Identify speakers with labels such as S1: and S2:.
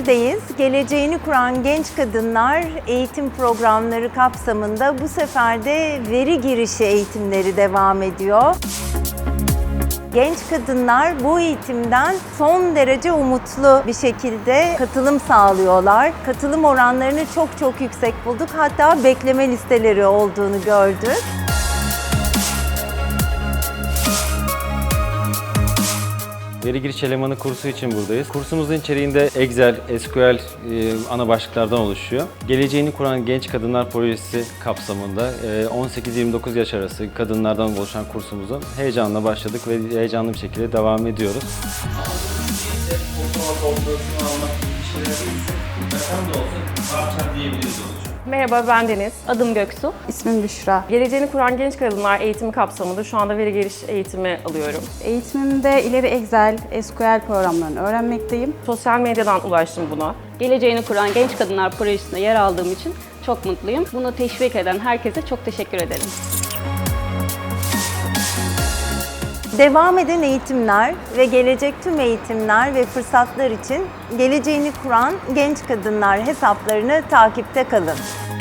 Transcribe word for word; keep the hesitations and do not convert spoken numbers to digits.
S1: Denizli'deyiz. Geleceğini kuran genç kadınlar eğitim programları kapsamında bu sefer de veri girişi eğitimleri devam ediyor. Genç kadınlar bu eğitimden son derece umutlu bir şekilde katılım sağlıyorlar. Katılım oranlarını çok çok yüksek bulduk. Hatta bekleme listeleri olduğunu gördük.
S2: Veri giriş elemanı kursu için buradayız. Kursumuzun içeriğinde Excel, S Q L e, ana başlıklardan oluşuyor. Geleceğini kuran genç kadınlar projesi kapsamında e, on sekiz yirmi dokuz yaş arası kadınlardan oluşan kursumuza heyecanla başladık ve heyecanlı bir şekilde devam ediyoruz.
S3: Merhaba, ben Deniz.
S4: Adım Göksu.
S5: İsmim Büşra.
S3: Geleceğini kuran genç kadınlar eğitimi kapsamında şu anda veri giriş eğitimi alıyorum.
S5: Eğitimimde ileri Excel, S Q L programlarını öğrenmekteyim.
S3: Sosyal medyadan ulaştım buna.
S4: Geleceğini kuran genç kadınlar projesinde yer aldığım için çok mutluyum. Bunu teşvik eden herkese çok teşekkür ederim.
S1: Devam eden eğitimler ve gelecek tüm eğitimler ve fırsatlar için Geleceğini Kuran Genç Kadınlar hesaplarını takipte kalın.